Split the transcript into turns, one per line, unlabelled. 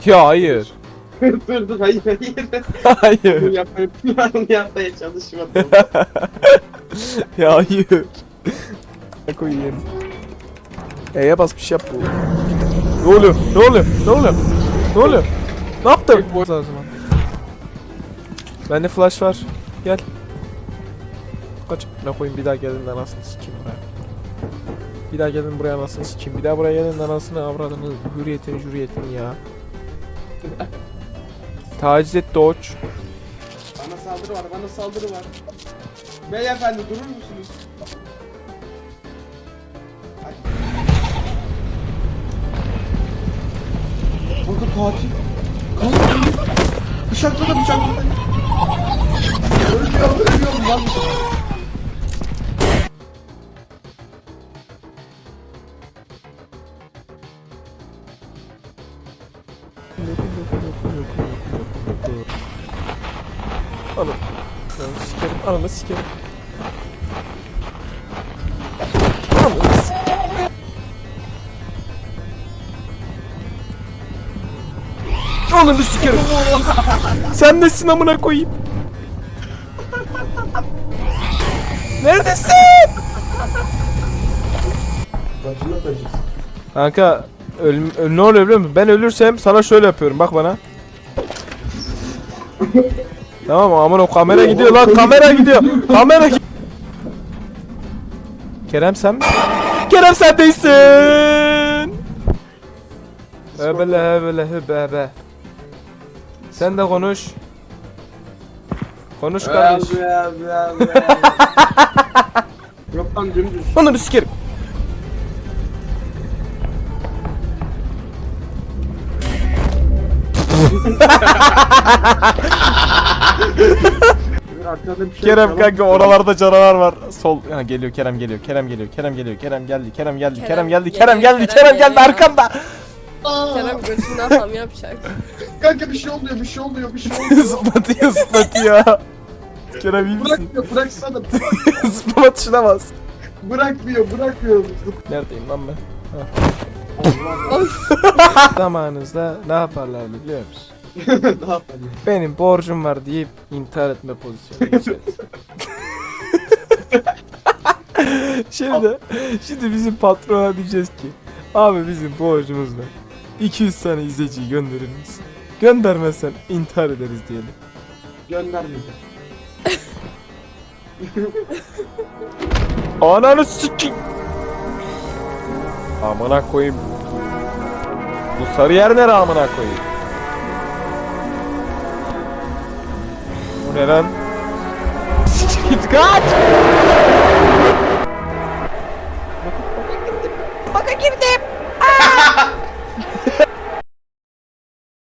Ya hayır.
Dur hayır.
Hayır.
Bunu yapmaya çalışmadım.
Ya hayır. Ne koyayım? E'ye bas bir şey yap bu. Ne oluyor? Ne oluyor? Ne oluyor? Ne oluyor? Ne yaptım? O zaman. Bende flash var. Gel. Kaç. Ne koyayım bir daha gelin de anasını sikeyim buraya. Bir daha gelin buraya anasını sikeyim. Bir daha buraya gelin de anasını avradını. Hürriyetini ya. Taciz et Doç.
Bana saldırı var. Beyefendi durur musunuz? Burada katil. Bıçakladı. Ölüyorum lan.
Ananı sikerim. Ananı sikerim. Sen nesin amına koyayım? Neredesin? Kanka ne oluyor biliyor musun? Ben ölürsem sana şöyle yapıyorum bak bana. Tamam aman o kamera gidiyor lan, kamera gidiyor. Kerem sen mi? Kerem sen değilsin. Hebele. Sen de konuş. Konuş kardeş.
Yok lan dümdüz.
Onu bir sikerim. Kerem kanka oralarda canavar var. Sol ha, geliyor Kerem geliyor. Kerem geldi arkanda.
Kerem götünden tam yapacak.
Kanka bir şey oluyor.
Zıplatıyor. Kerem iyi misin?
Bıraksana.
Zıplama tuşuna bas.
Bırakmıyor.
Neredeyim lan ben? Zamanınızda ne yaparlardı biliyor musun?
Ne yapalım?
Benim borcum var deyip intihar etme pozisyonu geçeriz. Şimdi bizim patrona diyeceğiz ki abi bizim borcumuz var. 200 tane izleyiciyi gönderir misin? Göndermezsen intihar ederiz diyelim.
Göndermeyeceğim.
Ananı sikeyim. Amına koyayım. Bu sarı yer nere amına koyayım? Bu ne lan? Git kaç! Baka girdim.